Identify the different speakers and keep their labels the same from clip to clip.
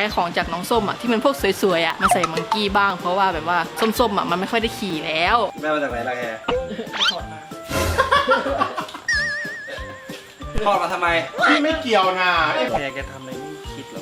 Speaker 1: ของจากน้องส้มอ่ะที่มันพวกสวยๆอ่ะมาใส่มังกี้บ้างเพราะว่าแบบว่าส้มๆอ่ะมันไม่ค่อยได้ขี่แล้ว
Speaker 2: แม่มาจากไหนล่ะแก
Speaker 1: ถอดมา
Speaker 2: ถอดมาทำไม
Speaker 3: พี่ไม่เกี่ยวนะ
Speaker 2: แกทำอะไรไม่คิดหรอ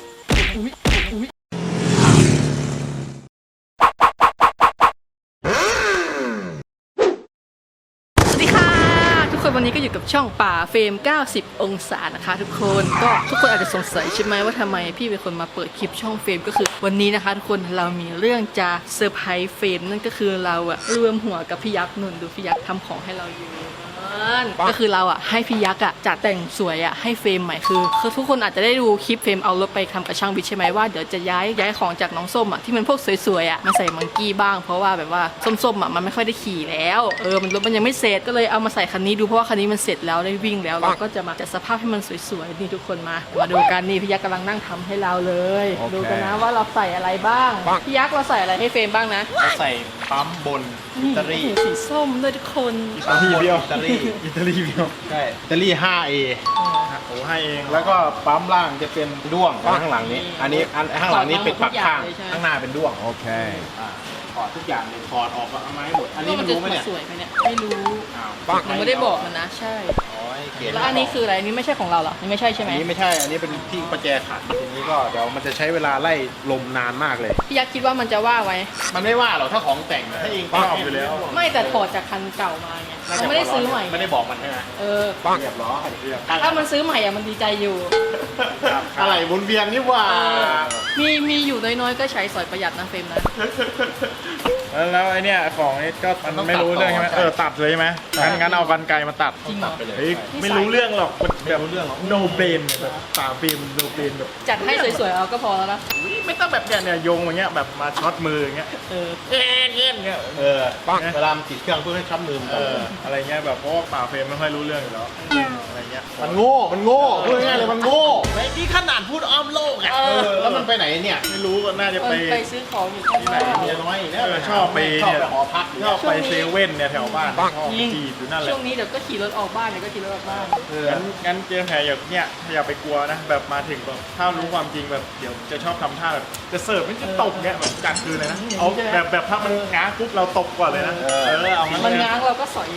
Speaker 1: วันนี้ก็อยู่กับช่องป่าเฟรม90 องศานะคะทุกคนก็ทุกคนอาจจะสงสัยใช่ไหมว่าทำไมพี่เป็นคนมาเปิดคลิปช่องเฟรมก็คือวันนี้นะคะทุกคนเรามีเรื่องจะเซอร์ไพรส์เฟรมนั่นก็คือเราอะรวมหัวกับพี่ยักษ์นุ่นดูพี่ยักษ์ทำของให้เราอยู่ก็คือเราอะให้พี่ยักษ์อะจัดแต่งสวยอะให้เฟรมใหม่คือทุกคนอาจจะได้ดูคลิปเฟรมเอารถไปทำกับช่างวิทย์ใช่ไหมว่าเดี๋ยวจะย้ายของจากน้องส้มอะที่มันพวกสวยๆอะมาใส่มังกี้บ้างเพราะว่าแบบว่าส้มๆอะมันไม่ค่อยได้ขี่แล้วมันรถมันยังไม่เสร็จก็เลยเอามาใส่คันนี้ดูเพราะว่าคันนี้มันเสร็จแล้วได้วิ่งแล้วเราก็จะมาจัดสภาพให้มันสวยๆนี่ทุกคนมาดูกันนี่พี่ยักษ์กำลังนั่งทำให้เราเลยดูกันนะว่าเราใส่อะไรบ้างพี่ยักษ์เราใส่อะไรให้เฟรมบ้างนะ
Speaker 3: ใส่ปั๊มบนอิตาลี
Speaker 1: สีส้มด้วยทุกคน
Speaker 3: อิตาลีเบี้ยวอิตาลีเบี้ยวใช่อิตาลี 5A โอ้ให้เองแล้วก็ปั๊มล่างจะเป็นด้วงข้างหลังนี้อันนี้ข้างหลังนี้เป็นปักข้างข้างหน้าเป็นด้วงโอเคถอดทุกอย่างเลยถอดออกเอาไม้หมดอันนี้มันรู้ไหมเนี่ย
Speaker 1: สวยไหมเนี่ยไม่รู้ผมไม่ได้บอกมันนะใช่แล้วอันนี้คืออะไรอันนี้ไม่ใช่ของเราหรอนี่ไม่ใช่ใช่ไหม
Speaker 3: อันนี้ไม่ใช่อันนี้เป็นที่ประแจขัดทีนี้ก็เดี๋ยวมันจะใช้เวลาไล่ลมนานมากเลย
Speaker 1: พี่ยักษ์คิดว่ามันจะว่าไว้
Speaker 3: มันไม่ว่าหรอกถ้าของแต่งถ้าเองชอบอยู่แล้ว
Speaker 1: ไม่แต่ถอดจากคันเก่ามาไงมันไม่ได้ซื้อใหม่
Speaker 3: ไม่ได้บอกมันใช่ไหมเรียบร้อย
Speaker 1: ถ้ามันซื้อใหม่อะมันดีใจอยู่
Speaker 3: อะไรบนเวียนนี่ว่า
Speaker 1: มีอยู่น้อยๆก็ใช้สอยประหยัดนะเฟรมนะ
Speaker 3: แล้วไอเนี้ยของนี้ก็มันไม่รู้เรื่องใช่ไหมตัดเลยใช่ไหมงั้นเอากรรไกรมาตัด
Speaker 1: จริงเหรอ
Speaker 3: ไม่รู้เรื่องหรอกแบบโนเบนแบบป่าฟิล์มโนเบนแบบ
Speaker 1: จัดให้สวยๆเอาก็พอแล้วนะ
Speaker 3: ไม่ต้องแบบเนี่ยโยงอย่างเงี้ยแบบมาช็อตมืออย่างเงี้ยเงี้ยเวลาติดเครื่องเพื่อให้ช็อตมืออะไรเงี้ยแบบเพราะว่าป่าเฟรมไม่ค่อยรู้เรื่องอยู่แล้วอะไรเงี้ยมันโง่พูดง่ายเลยมันโง่ไอ้นี่ขนาดพูดอ้อมโลกอ่ะแล้วมันไปไหนเนี่ยไม่รู้ก็น่าจะ
Speaker 1: ไปซื้อของอยู่
Speaker 3: ที่ไหนเมียน้อยเนี่ยชอบไปหอพักชอบไปเซเว่นเนี่ยแถวบ้านชอบขี่อยู่นั่นแหละ
Speaker 1: ช่วงนี้เดี๋ยวก็ขี่รถออกบ้านเดี๋ยวก็ขี่รถออกบ้าน
Speaker 3: งั้นเจมแพรอย่าไปกลัวนะแบบมาถึงแบบถ้ารู้ความจริงแบบเดี๋ยวจะชอบทำท่าแบบจะเสิร์ฟไม่จะตบเนี่ยแบบกลางคืนเลยนะเอาแบบถ้ามันง้างปุ๊บเราตบก่อนเลยนะ
Speaker 1: เอามันง้างเราก็สอย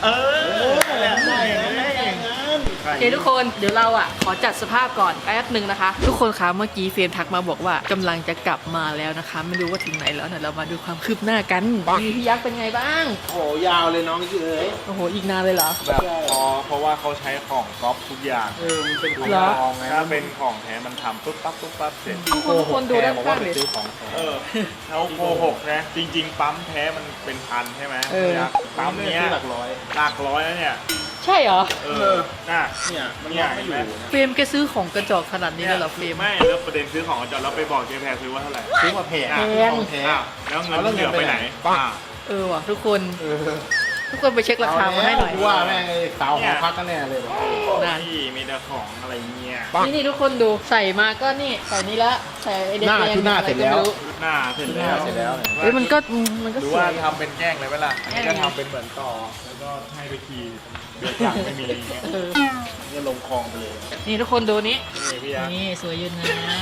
Speaker 1: โอเคทุกคนเดี๋ยวเราขอจัดสภาพก่อนแป๊บหนึ่งนะคะทุกคนคะเมื่อกี้เฟรมทักมาบอกว่ากำลังจะกลับมาแล้วนะคะไม่รู้ว่าถึงไหนแล้วเรามาดูความคืบหน้ากันพี่ยักษ์เป็นไงบ้าง
Speaker 3: โอ้ยาวเลยน้องเอ๋ย
Speaker 1: โอ้โหอีกนานเลยเหรอ
Speaker 3: แบบเพราะว่าเขาใช้ของก๊อปทุกอย่างมันเป็นของทองไงถ้าเป็นของแท้มันทำปุ๊บปั๊บเสร็จ
Speaker 1: ทุกคนดูด้านข้างเลย
Speaker 3: เขาโกหกนะจริงๆปั๊มแท้มันเป็นพันใช่ไหมปั๊มเนี้ยหลักร้อยแล้วเนี่ย
Speaker 1: ใช่เหรอ
Speaker 3: เนี่ยมันไม่อยู่
Speaker 1: เฟรมแกซื้อของกระจอกขนาดนี้เลยเหรอเฟรม
Speaker 3: ไม่แล้วประเด็นซื้อของกระจอกเราไปบอกเจ๊แพรซื้อว่าเท่าไหร่ซื้อมาแพงแล้วเงินเหลือไปไหน
Speaker 1: ว่ะทุกคนไปเช็คราคามาให้หน่อย
Speaker 3: ว่าแม่งสาวหอพักกันแน่เลยนี่มีแต่ของอะไรเงี้ย
Speaker 1: นี่ทุกคนดูใส่มาก็นี่ใส่นี้ละใส่ไอเด็ก
Speaker 3: หน้าเสร็จแล้ว
Speaker 1: มันก็
Speaker 3: ดูว่าทำเป็นแกล้งเลยเวลาอันนี้ก็ทำเป็นเหมือนต่อแล้วก็ให้ไปขี่เดือดจังไม่มีนี่ลงคลองไปเลย
Speaker 1: นี่ทุกคนดูนี่สวยยืนนะ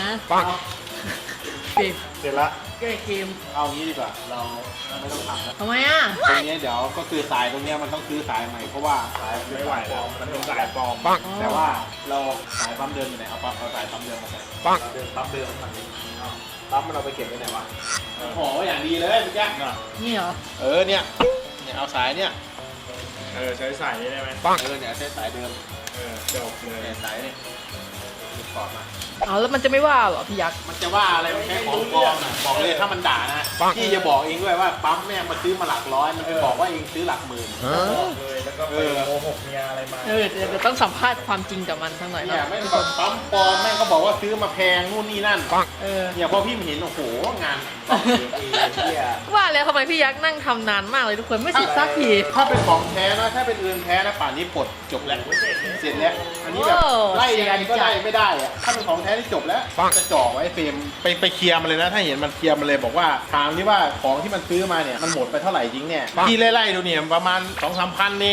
Speaker 3: เสร็จละ
Speaker 1: แก้เกม
Speaker 3: เอางี้ดีกว่าเราไม่ต้องทำแล้ว
Speaker 1: ทำไม
Speaker 3: ตรงนี้เดี๋ยวก็คือสายตรงนี้มันต้องซื้อสายใหม่เพราะว่าสายไม่ไหวแล้วมันเป็นสายปลอมแต่ว่าเราสายปั๊มเดิมอยู่ไหนเอาสายปั๊มเดิมมาใส่ปั๊มเดิมฝั่งนี้ปั๊มมันเอาไปเก็บไว้ไหนวะห่อไว้อย่างดีเลยพี่แจ๊ค
Speaker 1: นี่เหรอ
Speaker 3: เนี่ยเอาสายเนี่ยใช้สายนี้ได้ไหมเนี่ยใช้สายเดิมจบเลยสายนี่ถอดมา
Speaker 1: แล้วมันจะไม่ว่าหรอพี่ยักษ์
Speaker 3: มันจะว่าอะไรมันแค่ของปลอมนะบอกเลยถ้ามันด่านะพี่จะบอกเองด้วยว่าปั๊มแม่งมาซื้อมาหลักร้อยมันไปบอกว่าเองซื้อหลักหมื่นเลยแล้วก็โกหกเมียอะไรมา
Speaker 1: เดี๋ยวต้องสัมภาษณ์ความจริงกับมันทั้งหน่อย
Speaker 3: เนี่ยไม่แบบปั๊มปลอมแม่งก็บอกว่าซื้อมาแพงนู่นนี่นั่นเนี่ยพอพี่เห็นโอ้โหงาน
Speaker 1: ว่าแล้วทำไมพี่ยักษ์นั่งทำนานมากเลยทุกคนไม่เสร็จสักที
Speaker 3: ถ้าเป็นของแท้นะถ้าเป็นอื่นแท้นะป่านนี้ปลดจบแล้วเสร็จแล้วอันนี้แบบไล่ยังไงก็ไล่ไม่ได้อะถ้าเป็นของแท้ที่จบแล้วจะจ่อไว้เฟรมไปเคลียร์มันเลยนะถ้าเห็นมันเคลียร์มันเลยบอกว่าถามที่ว่าของที่มันซื้อมาเนี่ยมันหมดไปเท่าไหร่จริงเนี่ยพี่ไล่ดูเนี่ยประมาณ 2-3 พันเอง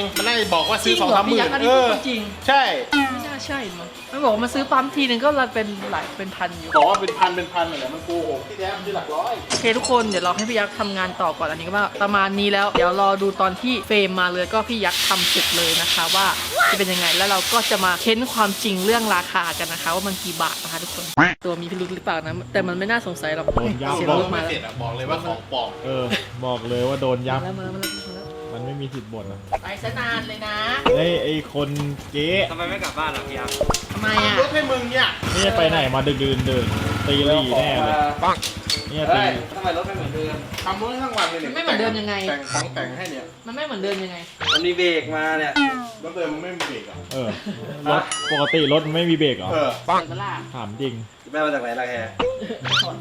Speaker 3: มันได้บอกว่า
Speaker 1: จ
Speaker 3: ซื้
Speaker 1: ริ
Speaker 3: อง สอง
Speaker 1: เหรอ
Speaker 3: สามห
Speaker 1: พี่
Speaker 3: มื่
Speaker 1: ยั
Speaker 3: น
Speaker 1: กษ์อันนี้พูดจริง
Speaker 3: ใช่
Speaker 1: ไม่น่าใช่มั้งมันบอกว่ามาซื้อปั๊มทีนึงก็เป็นหลายเป็นพันอยู่
Speaker 3: บอกว่าเป็นพันเหรอมันโกหกที่แท้มันคือหลักร้อย
Speaker 1: โอเคทุกคนเดี๋ยวเราให้พี่ยักษ์ทำงานต่อก่อนอันนี้ก็ประมาณนี้แล้วเดี๋ยวรอดูตอนที่เฟรมมาเลยก็พี่ยักษ์ทำเสร็จเลยนะคะว่าจะเป็นยังไงแล้วเราก็จะมาเค้นความจริงเรื่องราคากันนะคะว่ามันกี่บาทนะคะทุกคนตัวมีพิรุธหรือเปล่านะแต่มันไม่น่าสงสัยหรอก
Speaker 4: โดนยับ
Speaker 1: เสีย
Speaker 3: บ
Speaker 1: ง
Speaker 3: อก
Speaker 1: รถมา
Speaker 3: ไม่
Speaker 1: แล้ว
Speaker 3: เสร็จอะบอกเลยว่าของปลอม
Speaker 4: บอกเลยว่าโดนยับ
Speaker 1: มาแล้ว
Speaker 4: มันไม่มีสิทธิ์บ่นนะ
Speaker 1: ไปซะนานเลยนะ
Speaker 4: ไอ้คนเก๊
Speaker 2: ทำไมไม่กลับบ้านล่ะพี่ยักษ์
Speaker 1: ทำไมอ่ะ
Speaker 3: รถให้มึงเนี่ย
Speaker 4: นี่ไปไหนมาดึกดื่นตีหลี่แน่เลยเนี่ยตี
Speaker 2: ทำไมรถไม่เหมือนเดิม
Speaker 3: ทำรถให้ทั้งวันเลยเนี่ย
Speaker 1: ไม่เหมือนเดิมยังไง
Speaker 3: แต่งของแต่งให้เนี่ย
Speaker 1: มันไม่เหมือนเดิมยังไง
Speaker 2: มันมีเบรกมาเนี่ย
Speaker 3: รถเดิมมันไม่มีเบรกอ่ะ
Speaker 4: รถปกติรถมันไม่มีเบรกเหรอ
Speaker 3: เออ
Speaker 1: เปิดเวลา
Speaker 4: ถามจริง
Speaker 2: แม่มาจากไหนล่ะแก
Speaker 1: ถอดมา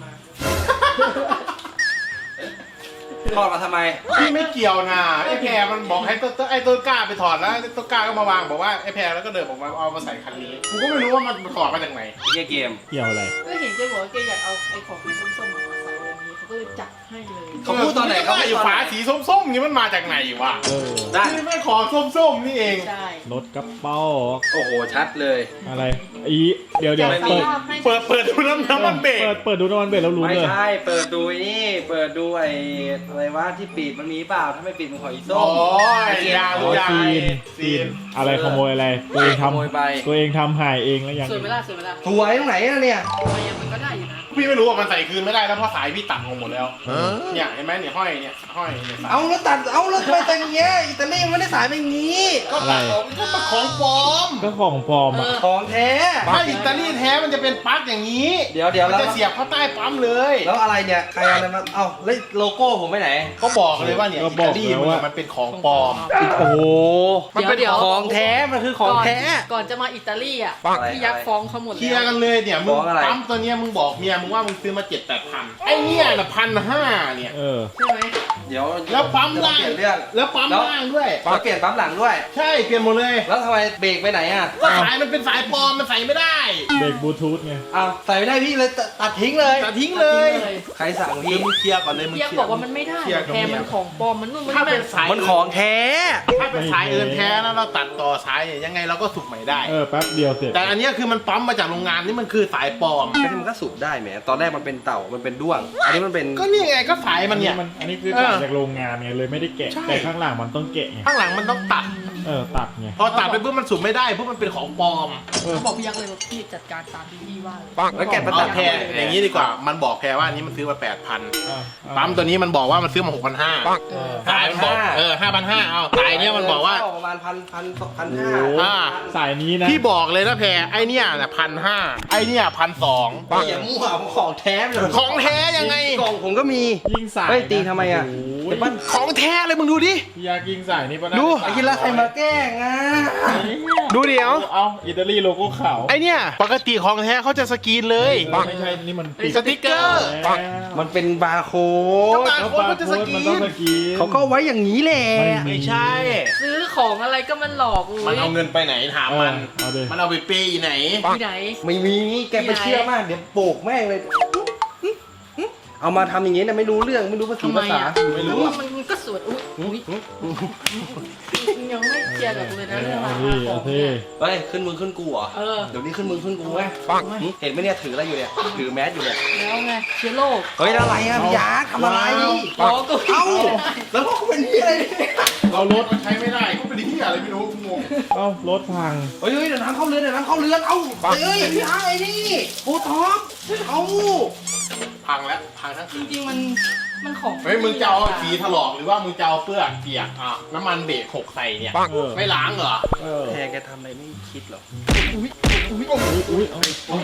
Speaker 2: ทอดมาทำไม
Speaker 3: พี่ไม่เกี่ยวนะไอ้แพรมันบอกให้ไอ้ต้นกล้าไปถอดแล้วต้นกล้าก็มาวางบอกว่าไอ้แพรแล้วก็เดินออกมาเอามาใส่คันนี้กูก็ไม่รู้ว่ามันถอดมาจากไหน
Speaker 2: เกม
Speaker 4: เกี่ยวอะไร
Speaker 1: ก็เห็นเจ๊บอกว่าเจ๊อยากเอาไอ้ของส้มๆมาใส่แบบนี้เขาก็เลยจัดให้เลย
Speaker 2: เขาพูดตอนไหนเขา
Speaker 3: ไอ้
Speaker 2: พูดตอนไหน
Speaker 3: ฝาสีส้มๆนี่มันมาจากไหนวะ
Speaker 2: ได้
Speaker 3: นี่ไม่ของส้มๆนี่เอง
Speaker 1: ใช่
Speaker 4: รถกระเป๋า
Speaker 2: โอ้โหชัดเลย
Speaker 4: อะไรเดี๋ยว
Speaker 2: ไม่มี
Speaker 3: เปิดดูน้ำมันเบรก
Speaker 4: เปิดดูน้ำมันเบรกแล้วรู้
Speaker 2: ไม่
Speaker 4: เลย
Speaker 2: ใช่เปิดดูไอ้นี่เปิดดูไอ้อะไรวะที่ปิดมันมีเปล่าถ้าไม่ปิดมันของอีส้
Speaker 3: อ๋อ
Speaker 2: ม
Speaker 3: ยาลูกยา
Speaker 4: ซีนอะไรขโมยอะไรตัวเอง
Speaker 2: ขโมยไป
Speaker 4: ทำตัวเองทำหายเองแล้วยัง
Speaker 1: สวยไหมล่ะสวยไหมล่ะ
Speaker 2: สวยตรงไหนอะเนี่ย
Speaker 1: ทำไมยังมันก็ได้อยู่นะ
Speaker 3: พี่ไม่รู้ว่ามันใส่คืนไม่ได้แล้วเพราะสายพี่ตัดลงหมดแล้วเนี่ยเห็นไหมเนี่ยห้อยเนี่ยห้อยเนี่ยสาย
Speaker 2: เอาแล้วตัดเอาแล้วทำไมแต่งอย่างเงี้ยอิตาลีมันไม่ได้สายเป็นอย่างงี้
Speaker 3: ก็ตัดออกมันก็มาของปลอม
Speaker 4: ก็ของปลอมอ่ะ
Speaker 2: ของแท้
Speaker 3: ถ้าอิตาลีแท้มันจะเป็นปลั๊กอย่างนี้
Speaker 2: เดี๋ยว
Speaker 3: มัน
Speaker 2: แล้ว
Speaker 3: จะเสียบเข้าใต้ปั๊มเลย
Speaker 2: แล้วอะไรเนี่ยใครเอาอะไรมาเอ้าแล้วโลโก้ผมไปไหน
Speaker 3: ก็บอกเลยว่าเนี่ยอิตาลีมันเป็นของปลอม
Speaker 2: โอ้โห
Speaker 1: มันเป็น
Speaker 2: ของแท้มันคือของแท้
Speaker 1: ก่อนจะมาอิตาลีอ่ะ
Speaker 2: อะไร
Speaker 1: พี่ยักษ์ฟ้องเขาหมด
Speaker 3: เคลีย
Speaker 1: แล้
Speaker 3: ร์
Speaker 1: ว
Speaker 3: กันเลยเนี่ยมึง
Speaker 2: ฟ้องอะไร
Speaker 3: ปั๊มตัวเนี้ยมึงบอกเมียมึงว่ามึงซื้อมา7-8 พันไอ้เนี่ยน่ะ1,500เนี่ย
Speaker 1: ใช่ไหม
Speaker 2: เดี๋ยว
Speaker 3: แล้วปั๊มล่าง
Speaker 2: เปลี่ยนเรื่อง
Speaker 3: แล้วปั๊มล่างด้วย
Speaker 2: แล้วเปลี่ยนปั๊มหลังด้วย
Speaker 3: ใช่เปลี่ยนหมดเลย
Speaker 2: แล้วทำไมเบรกไปไหนอ่ะ
Speaker 3: ก็สายมันเป็นสายปลอมมันใส่ไม่ได้
Speaker 4: เบรกบลูทูธไง
Speaker 2: อ้าวใส่ไม่ได้พี่เลยตัดทิ้งเลย
Speaker 3: ตัดทิ้งเลย
Speaker 2: ใครสั่ง
Speaker 3: เดี๋
Speaker 2: พี่
Speaker 3: ยวมึงเคลียร์ก่อนเลยมึง
Speaker 1: พี่ยัก
Speaker 3: เคลี
Speaker 1: ษ์
Speaker 3: ย
Speaker 1: บ
Speaker 3: ร์
Speaker 1: อกว่ามันไม่ได้
Speaker 3: เคลียร์กับ
Speaker 1: แพร
Speaker 3: เมีย
Speaker 1: มันของปลอมมันนู่นมัน
Speaker 3: ถ้า
Speaker 1: นี่
Speaker 3: เป็นสาย
Speaker 2: มันของแท้
Speaker 3: ถ้าเป็นสายเอินแท้แล้วเราตัดต่อสายเนี่ยยังไงเราก็สุกใหม่ได้
Speaker 4: แป๊บเดียวเสร็จ
Speaker 3: แต่อันเนี้ยคือมันปั๊มมาจากโรงงานนี่มันคือสายปลอม
Speaker 2: ก็ที่มันก็สุกได้แหมตอนแรกมันเป็นเต่ามันเป็นด้วง อันนี้มันเป็น
Speaker 3: ก็นี่ไงก็สายมันเนี่ย
Speaker 4: อันนี้คือตัดจากโรงงานไงเลยไม่ได้แกะ
Speaker 3: ใช่
Speaker 4: แต่ข้างหลังมันต้องแกะไง
Speaker 3: ข้างหลังมันต้องตัด
Speaker 4: ตัดไง
Speaker 3: พอตัดไปปุ๊บมันสุกไม่ได้ปุ๊บมันเป็นของปลอม
Speaker 1: เขาบอกพี่ยักษ์เลยว่าพี่จัดการตามที่พี่ว่าเลย
Speaker 2: แล้วแกะมา
Speaker 3: เอา
Speaker 2: ตัด
Speaker 3: แพรอย่างนี้ดีกว่า มันบอกแพรว่าอันนี้มันซื้อมา 8,000 ปั๊มตัวนี้มันบอกว่ามันซื้อมา 6,500 สายมันบอก5,500เอาสายเนี้ยมันบอกว่า
Speaker 2: ประมาณพัน
Speaker 4: โอ้
Speaker 2: ห้า
Speaker 4: โห
Speaker 3: อ่า
Speaker 4: สายนี้นะ
Speaker 3: พี่บอกเลยนะแพรไอเนี้ยน่ะ1,500ไอเนี้ย1,200
Speaker 2: อย่ามั่วของแท้เลย
Speaker 3: ของแท้ยังไง
Speaker 2: กล่องผมก็มี
Speaker 4: ยิงสาย
Speaker 2: เฮ้ยตีทำไมอะ
Speaker 4: โโห
Speaker 2: เดี๋ยวปั้น
Speaker 3: ของแท้เลยมึงดูดิ
Speaker 4: พี่ยากยิงสายนี่ปะนะ
Speaker 3: ดู
Speaker 2: ไอ้ที่ละใครมาแกล้งอ่ะ
Speaker 3: ดูเดี๋ยว
Speaker 4: เอาอิตาลีโลโก้ขาว
Speaker 3: ไอเนี้ยปกติของแท้เขาจะสกรีนเลย
Speaker 4: ไม่ใช่นี่มัน
Speaker 3: สติ๊กเกอร์
Speaker 4: แล้ว
Speaker 2: มันเป็นบาร์โค้
Speaker 3: ก็
Speaker 2: ด
Speaker 3: บาร์โค้ดมันจะสกรี
Speaker 4: มันต้อง
Speaker 3: น
Speaker 4: สกรีน
Speaker 2: เขาก็ไว้อย่างนี้แหละ
Speaker 3: ไม่ใช่
Speaker 1: ซื้อของอะไรก็มันหลอกอุ้
Speaker 3: มัน
Speaker 1: ย
Speaker 3: เอาเงินไปไหนถามมัน
Speaker 4: เอาดิ
Speaker 3: มันเอาไปเปย์ไหน
Speaker 1: ที่ไหน
Speaker 2: ไม่มีแกไปเชื่อมากเดี๋ยวโปกแม่งเลย เอามาทำอย่างนี้เนี่ยไม่รู้เรื่องไม่รู้ภาษา
Speaker 1: ทำไม
Speaker 2: ภาษา
Speaker 1: อ่ะ
Speaker 3: ไม่รู้
Speaker 1: มันก็สวยอุ้ยยังไม่เคลียร์กับเลยนะเรื่องรา
Speaker 4: เอา
Speaker 1: คา
Speaker 4: ดิ
Speaker 1: ขอ
Speaker 4: เอา
Speaker 1: ง
Speaker 4: ดิ
Speaker 1: เนี่ย
Speaker 2: เฮ้ยขึ้นมึงขึ้นกูเหรอ
Speaker 1: เออ
Speaker 2: เดี๋ยวนี้ขึ้นมึงขึ้นกูไหมเห็นไหมเนี่ยถืออะไรอยู่เนี่ยถือแมสอยู่เนี่ย
Speaker 1: แล้วไงเชื้อโรค
Speaker 2: เฮ้ยอะไรอ่ะพี่ยาทำอะไร
Speaker 1: อ๋อก็
Speaker 2: เอ้าแล้วพวกกูเป็นที่อะไรเนี่ย
Speaker 3: เรารถมันใช้ไม่ได้ก็เป็นที่อะไรไม่รู้กูงง
Speaker 4: เอ้ารถพัง
Speaker 2: เฮ้ยเดี๋ยวน้ำเข้าเรือนเดี๋ยวน้ำเข้าเรือนเอ้าเฮ้ยพี่ยาไอ้นี่โอ้ท็อปเอ้า
Speaker 3: พังแล้วพังทั้ง
Speaker 1: จ
Speaker 3: คัน
Speaker 1: ริงๆมันของ
Speaker 3: เฮ้ยมึงจะเอาสีถลอกหรือว่ามึงจะเอาเปลือกเปียกอ่ะน้ำมันเบรกหกใส่เนี่ย
Speaker 4: เออ
Speaker 3: ไม่ล้างเหรอ
Speaker 2: แพรแกทำอะไรไม่คิดหรอ
Speaker 4: อุ้ยเอา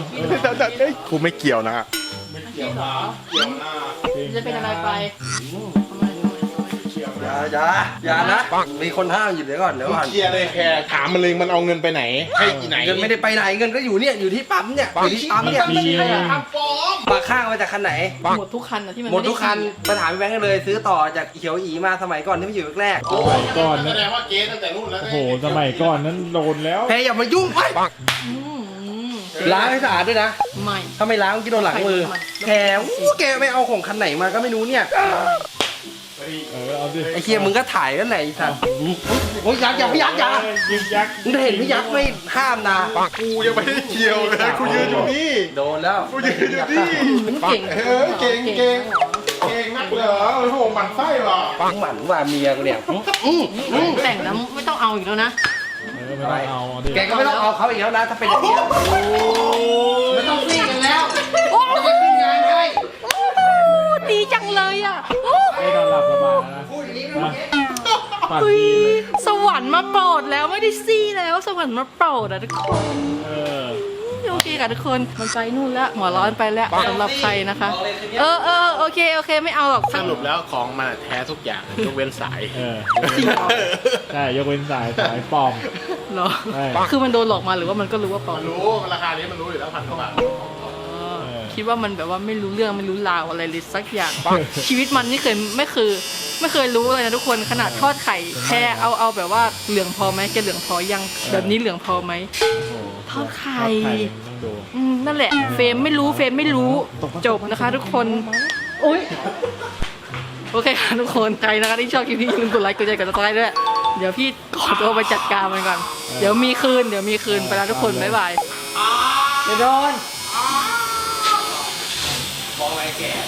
Speaker 3: กูไม่เกี่ยวนะ
Speaker 1: ไม่เกี่ยวเหรอ
Speaker 3: เกี่ยวนะ
Speaker 1: จะเป็นอะไรไปทำไม
Speaker 3: เกี่ยว
Speaker 2: อย่านะมีคนห้ามอยู่เดี๋ยวก่อนเดี๋ยวก่อน
Speaker 3: เคลียร์เลยแพรถามมันเลยมันเอาเงินไปไหนให้ที่ไหน
Speaker 2: เงินไม่ได้ไปไหนเงินก็อยู่เนี่ยอยู่ที่ปั๊มเนี่ยอยู่ที่ปั๊มเนี่ย
Speaker 3: ไม่ใช่ทำปลอม
Speaker 2: ปากข้างมาจากคันไหน
Speaker 1: หมดทุกคันอะที่มัน
Speaker 2: หมดทุกคันไปถามพี่แบงค์กันเลยซื้อต่อจากเขียวอีมาสมัยก่อนที่ไม่อยู่แรก
Speaker 4: สมัยก่อน
Speaker 3: แส
Speaker 4: นะ
Speaker 3: ดงว่าเก๊ตั้งแต่รุ่นแล้ว
Speaker 4: โอ้โหสมัยก่อนนั้นโดนแล้ว
Speaker 2: แพรอย่ามายุ่งไป
Speaker 1: อืม
Speaker 2: ล้างให้สะอาดด้วยนะ
Speaker 1: ไม่
Speaker 2: ถ้าไม่ล้างกินโดนหลังมือแพรแกไม่เอาของคันไหนมาก็ไม่รู้เนี่ย
Speaker 4: เอาดิ
Speaker 2: ไอ้เคียมึงก็ถ่ายกันไหนไอ้สัตว์โอ้ยยักษ์อย่าพี่ยักษ์อย่า
Speaker 4: ยิงยักษ์
Speaker 2: มึงเห็นพี่ยักษ์ไม่ห้ามนะ
Speaker 3: กูยังไม่ได้เกี่ยวเลยกูยืนอยู่นี่
Speaker 2: โดนแล้ว
Speaker 3: กูยืนอยู่นี่
Speaker 1: มันเก่ง
Speaker 3: เก่งนักเหรอโอ้โหมันไส้หรอ
Speaker 2: หมันว่าเมียกูเนี่ย
Speaker 1: แต่งแล้วไม่ต้องเอาอีกแล้วนะ
Speaker 4: ไม่ต้องเอาดิ
Speaker 2: แกก็ไม่ต้องเอาเขาอีกแล้วนะถ้าเป็นอย่างนี้ไม่ต้องซีกันแล้ว
Speaker 1: โอ้
Speaker 2: จะไปขึ้นงานให้
Speaker 1: ดีจังเลยอ่ะ
Speaker 4: ไม่นอนหลับสบายนะ
Speaker 2: พูดอย่างนี้
Speaker 4: มาปั่น
Speaker 1: เฮ้ย
Speaker 4: ดีเลย
Speaker 1: สวรรค์มาโปรดแล้วไม่ได้ซี่แล้วสวรรค์มาโปรดอ่ะทุกคน
Speaker 4: เออ
Speaker 1: โอเคค่ะทุกคนมันไปนู่นแล้วหัวร้อนไปแล้วสำหรับใครนะคะ โอเคไม่เอาหรอก
Speaker 3: สรุปแล้วของมันแท้ทุกอย่างยกเว้นสาย
Speaker 4: เออใช่ยกเว้นสายปลอม
Speaker 1: เหรอ
Speaker 4: ใช่
Speaker 1: คือมันโดนหลอกมาหรือว่ามันก็รู้ว่าปลอม
Speaker 3: มันรู้ราคานี้มันรู้อยู่แล้ว1,000 กว่าบาท
Speaker 1: คิดว่ามันแบบว่าไม่รู้เรื่องไม่รู้ราวอะไรเลยสักอย่าง ชีวิตมันนี่ไม่เคยรู้เลยนะทุกคนขนาดทอดไข่แค่เอาแบบว่าเหลืองพอไหมแกเหลืองพอยังแบบนี้เหลืองพอไหม
Speaker 4: โอ้โห
Speaker 1: ทอดไข่
Speaker 4: ต้องดู
Speaker 1: นั่นแหละเฟรมไม่รู้จบนะคะทุกคนอุ้ยโอเคค่ะทุกคนใครนะคะที่ชอบคลิปนี้อย่าลืมกดไลค์กดแชร์กดติดตามด้วยเดี๋ยวพี่ขอตัวไปจัดการมันก่อนเดี๋ยวมีคืนไปแล้วทุกคนบ๊ายบาย
Speaker 2: เดี๋ยวโดนมองอะไรแก่